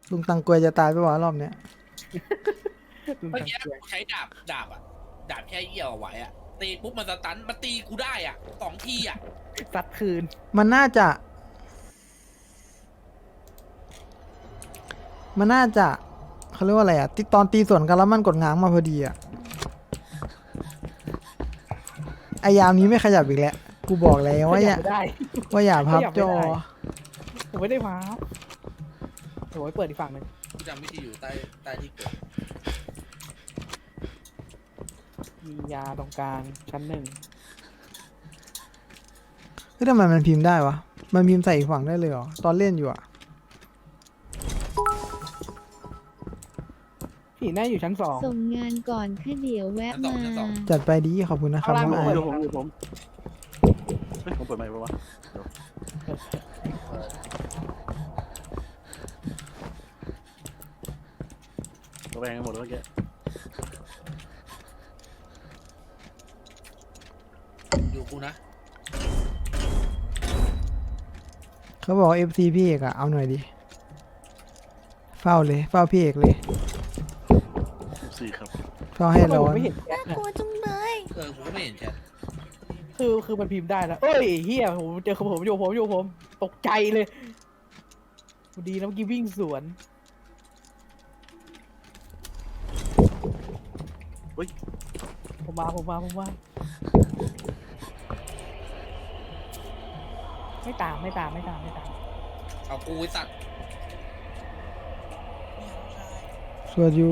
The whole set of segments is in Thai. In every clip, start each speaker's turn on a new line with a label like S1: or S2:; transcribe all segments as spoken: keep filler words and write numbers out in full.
S1: ลุงตังกวยจะตายไปวะรอบเนี้ย
S2: เมื่อกี้กูใช้ดาบดาบอ่ะดาบแค่เอี่ยวเอาไว้อ่ะตีปุ๊บมันสตันมันตีกูได้อ่ะสองทีอ่ะ
S3: ซัดคืน
S1: มันน่าจะ มันน่าจะเขาเรียกว่าอะไรอ่ะตอนตีสวนกันแล้วมันกดง้างมาพอดีอ่ะไอยามนี้ไม่ขยับอีกแล้วกูบอกแล้วว่าอย่า
S3: ไม่ได้
S1: ว่าอย่าพับจอ
S3: ผมไม่ได้พับโอ้ยเปิดอีกฝั่งหนึ่ง
S2: กูจำวิธีอยู่ใต้ใต้ที่กด
S3: มียาตรงกลางชั้นหนึ่ง
S1: เฮ้ยทำไมมันพิมพ์ได้วะมันพิมพ์ใส่อีกฝั่งได้เลยเหรอตอนเล่นอยู่อ่ะ
S3: ผีน่าอยู่ชั้นสอง
S4: ส่งงานก่อนค่ะเดี๋ยวแวะมา
S1: จัดไปดีขอบคุณนะครับ
S3: เอาล่าง
S1: น้อง
S3: มา
S1: ไอ
S3: เปิ
S5: อยู่ผมอยู่ผมเฮ้ยผมเปิดไมค์ปะวะเดี๋ยวระแวงกันหมดแล้วเมื่อกี้
S2: อยู่กูนะ
S1: เขาบอกเอฟซีพี่เอกอะเอาหน่อยดิเฝ้าเลยเฝ้าพี่เอกเลย
S5: สี่ครับ
S1: เฝ้าให้
S3: ทำไม
S1: ร้
S3: ผ
S1: อ
S3: ม
S1: น
S3: ไม่เห็นแชท
S4: น่าก
S3: เนี่ย
S4: ลัวจังเลย
S2: เออกูก็ไม่เห็นแชท
S3: คือคือมันพิมพ์ได้แล้วเอ้ยเฮียผมเจอผมอยู่ผมอยู่ผมตกใจเลยดีนะเมื่อกี้วิ่งสวน
S5: เฮ้ย
S3: ผมมาผมมาผมมาไม่ตามไม่ตามไม่ตามไม่ตาม
S2: เอากูไอ้สัตว์
S1: สวดอยู่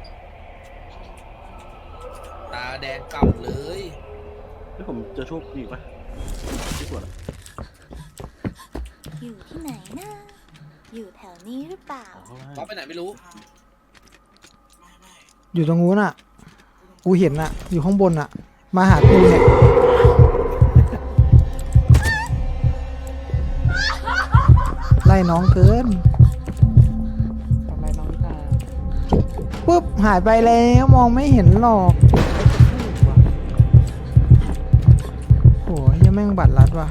S2: ตาแดงกำเลย
S5: เฮ้ยผมเจอโชคดีปะที่สวนอะ
S4: อยู่ที่ไหนนะ อยู่แถวนี้หรือเปล่า
S5: อ๋อข้าง
S2: เขา
S5: ล่าง
S2: ไปไหนไม่รู้
S1: อยู่ตรงนู้นอะกูเห็นอะอยู่ข้างบนอะมาหากูเนี่ยไล่น้องเกิน
S3: ทำไรน้องนิทา
S1: ปุ๊บหายไปแล้วมองไม่เห็นหรอกโหยังแม่งบัตรลัดว่ะ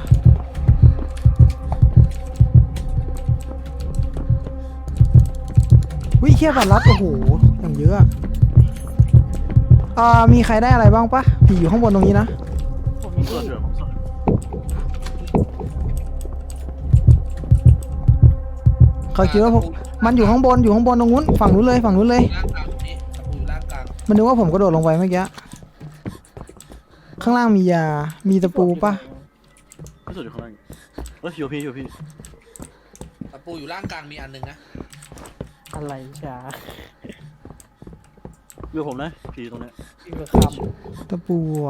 S1: วิเคียบัตรลัดโอ้โหอย่างเยอะอะอ่ามีใครได้อะไรบ้างปะผีอยู่ข้างบนตรงนี้นะ
S3: ผม
S5: ผ
S3: มี
S5: มสว
S3: ที่
S5: ดอยู่ผมสวด
S1: เขาคิดว่าผมมันอยู่ข้างบนอยู่ข้างบนตรงนู้นฝั่งนู้นเลยฝั่งนู้นเลย
S2: ล่างกลางนี่ตะปูอยู่ล่างกลาง
S1: มันนึกว่าผมกระโดดลงไปเมื่อกี้ข้างล่างมียา มีตะปูปะ
S5: ไม่สวดอยู่ข้างล่างเฮ้ยอยู่พี่อยู่พี่
S2: ตะปูอยู่ล่างกลางมีอันหนึงนะ
S3: อะไรจ้า
S5: อยู่ผมนะผีตรงเนี้ย
S3: วิ่งเบอร์ค
S1: ตะปูอะ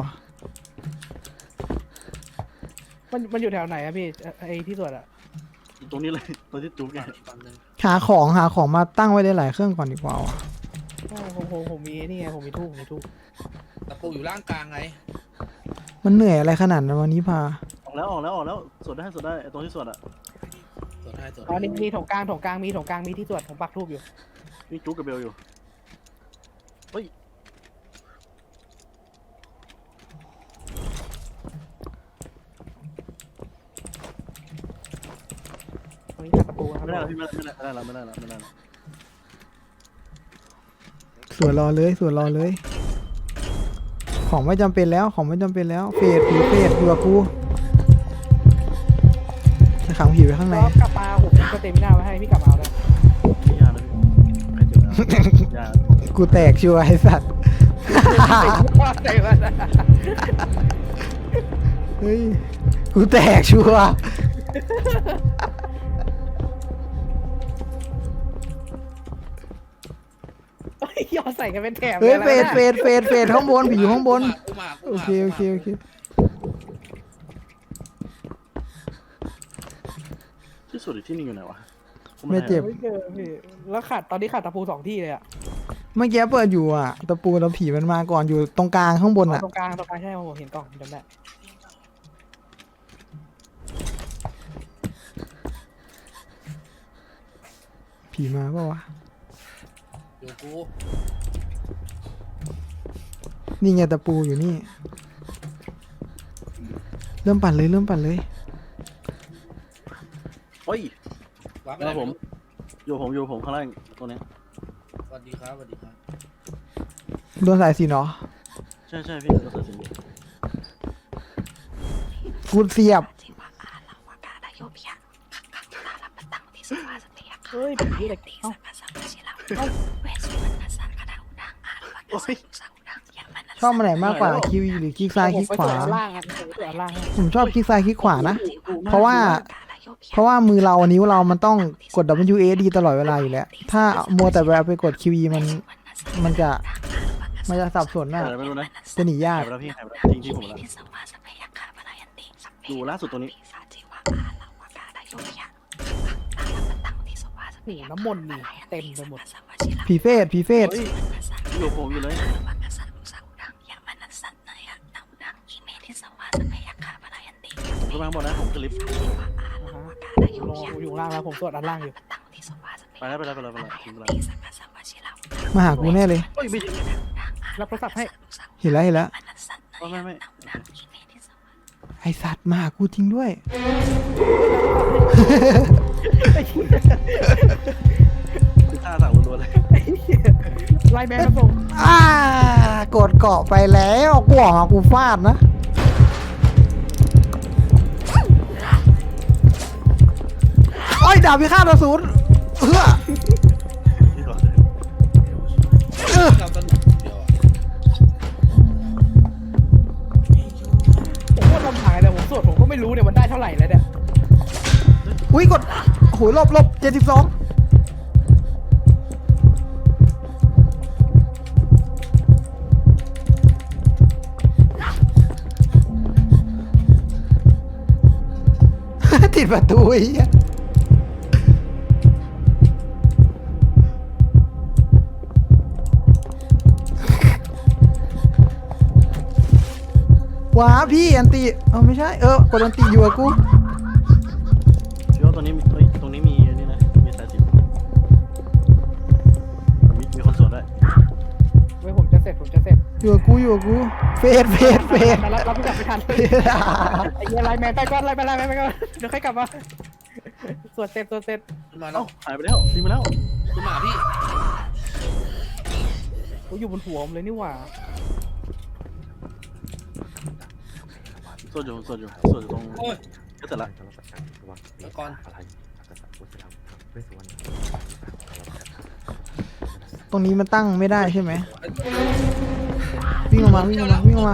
S3: ำมันมันอยู่แถวไหนอะพี่เอ่อไอ้ที่สวดอะ
S5: อยู่ตรงนี้เลยตรงที่จุ๊กไง
S2: อีกฝั่งหนึง
S1: หาของหาของมาตั้งไว้ได้หลายเครื่องก่อนดีกว่าว่ะ
S3: โอ้ผมผมผมมีไอ้นี่ไงผมมีทูบผมมีทูบ
S2: ตะปูอยู่ล่างกลางไง
S1: มันเหนื่อยอะไรขนาดนั้นวันนี้พา
S5: ออกแล้วออกแล้วออกแล้วสวดได้สวดได้ไอ้ตรงที่สวดอะ
S2: ส่วนให้ส่วน
S3: อ๋อ
S2: ให้
S3: นี่มีถงกลางถงกลางมีถงกลางมีที่สวดผมปักทูบอยู่
S5: นี่จุ๊กกับเบลอยู่เฮ้ย
S3: ตรงนี้ขัดตะปูครับ
S5: ไม่ได้แล้วพี่ไม่ได้ไม่ได้แล้วไม่ได้แล้วไม่ได้แล้ว
S1: สวนรอเลยสวนรอเลย ของไม่จำเป็นแล้วของไม่จำเป็นแล้ว เฟดผีเฟดอยู่กับกูจะขังผีไว้ข้างใน
S3: ก็กลับมาผมก็เต็มหน้าไว้ให้พี่กลับมาเอาเลย
S5: ไม่ยากนะพี่ใครเจ็บแล้วยาก
S1: กูแตกชัวร์ไอสัตว์
S3: ใจมัน
S1: เฮ้ยกูแตกชัวร์
S3: ยอดใส่กันเป็นแถบ
S1: เฮ้ย
S3: ล
S1: เฟ
S3: นะ
S1: ดเฟดเฟดเฟดข้างบนผีอยู่ข้างบน
S2: กูมากู
S1: โอ
S2: มา
S1: เคโอเคโอเค
S5: ที่สุดอีกที่หนึงอยู่ไหนวะผ
S1: ไม่เจ็บ
S3: ไม่เจอพี่แล้วขาดตอนนี้ขาดตะปูสองที่เลยอะ
S1: เมื่อกี้เปิดอยู่อ่ะตะปูแล้วผีมันมาก่อนอยู่ตรงกลางข้างบนอ่ะ
S3: ตรงกลางตรงกลางใช่ผมเห็นกล่องจำได้
S1: ผีมาเปล่าวะ
S2: อยู่กู
S1: นี่ไงตะปูอยู่นี่ เริ่มปั่นเลยเริ่มปั่นเลย
S5: เฮ้ย
S2: วาร์ปไป
S5: ค
S2: ไหน
S5: รับผ
S2: ไม่
S5: ม
S2: รู้
S5: อยู่ผมอยู่ผมข้างล่างตรงเนี้ย
S2: สวัสดีครับสวัสดีครับ
S1: โดนสายสิญจน์เหรอ
S5: ใช่ใช่พี่เราตัดสิน
S1: กูเสียบ
S3: เฮ้ยผีอะไรเอ้า
S5: โอ้ย
S1: ชอบมาไหนมากกว่าคิวหรือคลิกซ้ายคลิกขวา
S3: ผมไปตรวจล่างอ่ะผมไปตรวจล่างให้
S1: ผมชอบคลิกซ้ายคลิกขวานะ เพราะว่า เพราะว่ามือเรานิ้วเรามันต้องกด ดับเบิลยู เอ ดี ตลอดเวลาอยู่แล้ว ถ้ามัวแต่เวลาไปกด คิว อี มัน มันจะ มันจะสับสนน่ะ
S5: อะไรไม่รู้นะ
S1: จะหนียา
S5: หาก ยไปแล้วพี่หายไปแล้วจริงที่ผมแล้วดูล่าสุดตรงนี้
S3: โอ้โหน้ำมนต์นี่เต็มไปหมด
S1: ผีเฟสผีเฟส
S5: เฮ้ยอยู่ผมอยู่เลยผมขึ้นมาข้างบนนะผมขึ้นลิฟต์
S3: นะฮะรออยู่ข้างล่างแล้วผมตรวจด้านล่างอยู่
S5: ไปแล้วไปแล้วไปแล้วไปแล้วทิ้งไปแล้ว
S1: มาหากูแน่เลย
S5: เฮ้ยไม่ถึง
S3: รับโทรศัพท์ให้
S1: เห็นแล้วเห็นแล้ว
S5: ไม่ไม่ไม่
S1: ไอสัตว์มาหากูจริงด้วย
S5: คือท่าสั่งรัวๆเลย
S3: ไล่แมนมาส่ง
S1: อ่ากดเกาะไปแล้วกูออกมากูฟาดนะโอ้ยดาบพิฆาตอสูรเฮ้อ
S5: ที่ก่อน
S1: เออ
S2: เราสนุกเดียวอะ
S3: ผมว่าทำถ่ายแต่ผมตรวจผมก็ไม่รู้เนี่ยมันได้เท่าไหร่แล้วเนี่ย
S1: อุ้ยกดโอ้โหลบลบเจ็ดสิบสองติดประตูอีกว้าพี่อันติเออไม่ใช่เออกดอันติอยู่กับกู
S5: พี่ว่าตรงนี้มีเฮ้ยตรงนี้มีนี่นะมีสายสิญจน์มีมีคนสวดด้วย
S3: เว้ยผมจะเสร็จผมจะเสร็จ
S1: อยู่กับกูอยู่กับกูเฟสเฟสเฟส
S3: มาแล้วรับโทรศัพท์ไม่ทัน
S1: เฟส
S3: ไอ้เหี้ยไล่แมนไปก่อนไล่ไปไล่แมนไปก่อนเดี๋ยวค่อยกลับมาตรวจเสร็จตรวจเสร็จ
S2: ขึ้นมา
S5: เอ้า
S2: แล้ว
S5: หายไปแล้วทิ้งไปแล้ว
S2: ขึ้นมาพี่
S3: กูอยู่บนหัวผมเลยนี่หว่า
S5: สวดอยู่สวดอยู่สวดอยู่ตรง
S2: โอ้ย
S5: ก็เสร็จละ
S2: ตะกอน
S1: ตรงนี้มันตั้งไม่ได้ใช่ไหมวิ่งออกมาวิ่งออกมาวิ่งออกมา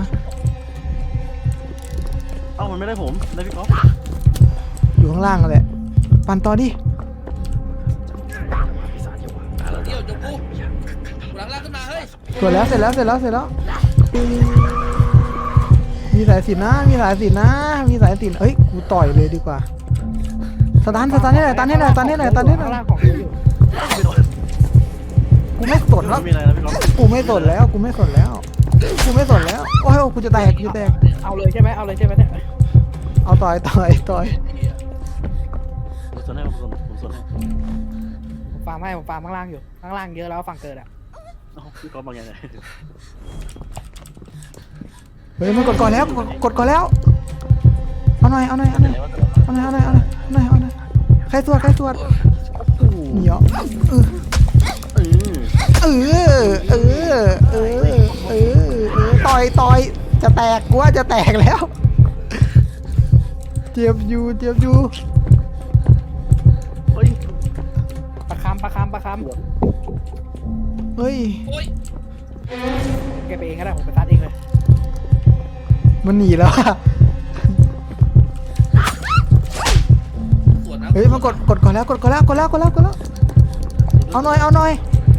S5: เอ้ามันไม่ได้ผมได้พี่ก๊อฟ
S1: อยู่ข้างล่างแหละปั่นต่อดิ
S2: เดี่ยวจบกูกูหลังล่างขึ้นมาเฮ้ย
S1: สวยแล้วเสร็จแล้วเสร็จแล้วเสร็จแล้วมีสายสิญจน์นะมีสายสิญจน์นะมีสายสิญจน์เอ้ยกูต่อยเลยดีกว่าสตันสตันให้หน่อยสตันให้หน่อยสตันให้หน่อยสตันให้หน่
S3: ข้าง
S1: อย
S3: ล่างของอยู่
S5: ไม่โดน
S1: กูไม่สนแล้ว
S5: ไม่มีอะไรนะพี่ก๊อฟ
S1: กูไม่สนแล้วกูไม่สนแล้วกูไม่สนแล้วโอ้ยกูจะแตกกูจะแตก
S3: เอาเลยใช่ไหมเอาเลยใช่ไหมเนี่ย
S1: เอาต่อยต่อยต่อย
S5: ผมสวดให้ผมสวดผมสวดให้
S3: ผมฟาร์มให้ผมฟาร์มข้างล่างอยู่ข้างล่างเยอะแล้วฝั่งเกิดอ่ะ
S5: เอ้าพี่ก๊อฟมาไงเนี่ย
S1: เฮ้ยมันกดก่อนแล้วกดกดก่อนแล้วเอาหน่อยเอาหน่อยเอาหน่อยเอาหน่อยเอาหน่อยเอาหน่อยเอาหน่อยเอาหน่อยใครสวดใครสวดเหนียวเออ
S5: เออ
S1: เออเออเออเออเออต่อยต่อยจะแตกกูว่าจะแตกแล้วเจ็บอยู่เจ็บอยู่
S5: เฮ้ย
S3: ประคำประคำประค
S1: เฮ้ย
S2: โอ้ย
S3: ำแกไปเองก็ได้ผมไปตัดเองเลย
S2: มัน
S1: มันหนีแล้วอะ
S2: สวนนะ
S1: เฮ้ยมันกดกดก่อนแล้วกดก่อนแล้วกดแล้วกดแล้วกดแล้วเอาหน่อยเอาหน่อย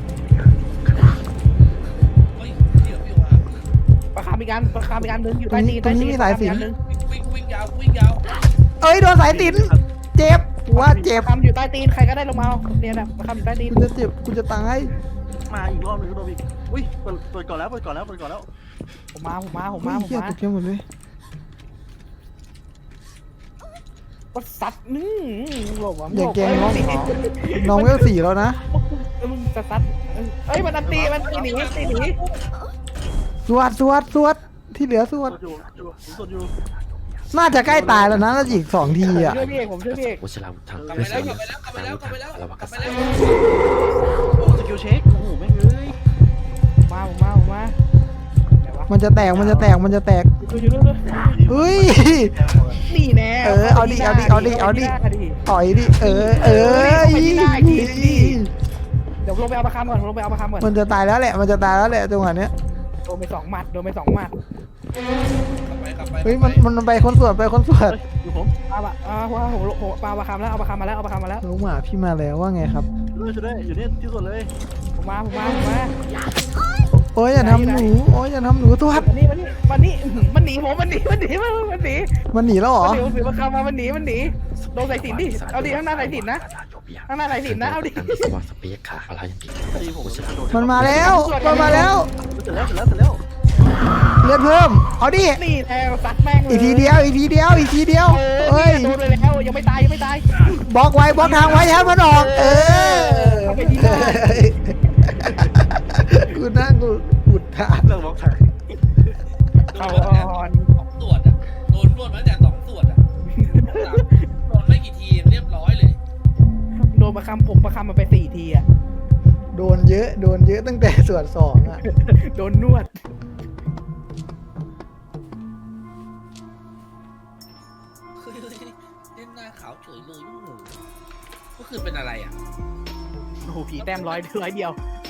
S2: เฮ้ยเดี๋ยวพี่ว่า
S3: ประคำอีกอันประคำอีกอันหนึงอยู่ใต้ตีนใต้ตีนประคำอีกอันหนึง
S2: วิ่งวิ่งยาววิ่งยาว
S1: เอ้ยโดนสายสิญจน์เจ็บกูว่าเจ็บ
S3: ประคำอยู่ใต้ตีนใครก็ได้ลงมาเอาเนี่ยนะประคำอยู่ใต้ตีน
S1: กูจะเจ็บกูจะตาย
S5: มาอีกรอบหนึงก็โดนอีกอุ้ยเปิดเปิดก่อนแล้วเปิดก่อนแล้วเปิดก่อนแล้ว
S3: ผมมาผมมาผม
S1: เฮ้
S3: มาย ผม
S1: เหี้ย
S3: มา
S1: ตกใจหมดเลย
S3: ก็ซัดนึ่งหลบอ่ะ
S1: อย่าแกล้งน้อง
S3: เอ้ย
S1: น้องเวลสี่แล้วนะ
S3: มึงจะซัดเอ้ยมันอันตีมันตีหนีตีหนี
S1: สวดสวดสวดที่เหลือสว
S5: ส
S1: ด
S5: วดอยู่อยู่ผมสวดอยู่
S1: น่าจะใกล้ตายแล้วนะน่าจะอีกสองทีอ่ะ
S3: ช่วยพี่เอกผมช่วยพี่เอก
S6: วชิราวุธทาง
S2: กลับไปแล้วกลับไปแล้วกลับไปแล้วกลับไปแล้วกลับไปแล้ว
S5: โอ้สกิลเช็คโอ้โหแม่งเอ้ย
S3: มาผมมาผมมาไหนวะ
S1: มันจะแตกมันจะแตกมันจะแตก
S3: ช่วยช่วยด้วย
S1: เฮ้ย
S3: นี่แน่
S1: เออเอาดิเอาดิเอาดิเอาดิ ต่อยดิเออเออ
S3: เดี๋ยวลงไปเอาประคำก่อนลงไปเอาประคำก่อน
S1: มันจะตายแล้วแหละมันจะตายแล้วแหละจังหวะเนี้ย
S3: โดนไปสองหมัดโดนไปสองหมัด
S2: กลับไปกลับไป
S1: เฮ้ยมันมันไปคนสวนไปคนสวน
S5: อยู่ผม
S3: เอาละเอาว่าผมผมปาประคำแล้วเอาประคำมาแล้วเอาประคำมาแล้ว
S1: น้องหมาพี่มาแล้วว่าไงครับ
S5: ช่วยด้วยช่วยด้วยอยู่นี่ที่สุดเลย
S3: ผมมาผมมาผมมา
S1: โอ้ยอย่าทำหนูโอ้ยอย่าทำหนูตัว
S3: มันนี่มันนี่มันนี่มันหนีผมมันหนีมันหนีมันหนี
S1: มันหนีแล้วเหรอ
S3: มันหนีถือประคำมามันหนีมันหนีโดนใส่สินดิเอาดิข้างหน้าใส่สินนะข้างหน้าใส่สินนะเอาดิ
S6: สวัสดิ์เปียกขาอะไรอย่างนี้
S5: ตีผมจะโดน
S1: มันมาแล้วมันมาแล้ว
S5: เสร็จแล้วเสร็จแล้วเสร็จแล้ว
S1: เลือดเพิ่มเอาดิ
S3: นี่แทงซัดแม่งเลย
S1: อีกทีเดียวอีกทีเดียวอีกทีเดียว
S3: เอ
S1: เฮ้
S3: อย โดนไปแล้วยังไม่ตายยังไม่ตาย
S1: บล็อกไว้บล็อกทางไว้อย่าให้มันออก เออ
S3: เอาไปที่หน้า
S1: กูนั่งกูอุดทาน
S5: เรื่องบล็อกทาง
S2: โดนมาแต่สองส่วนอ่ะโดนนวดมาแต่สองส่วนอ่ะโดนไม่กี่ทีเรียบร้อยเลย
S3: โดนประคำผมประคำมาไปสี่ทีอ่ะ
S1: โดนเยอะโดนเยอะตั้งแต่ส่วนสองอ่ะ
S3: โดนนวด
S2: เฮ้ยเล่นหน้าขาวเฉยเลยลูกหมูก็คือเป็นอะไรอ่ะ
S3: โอ้โหผีแต้มร้อยร้อยเดียว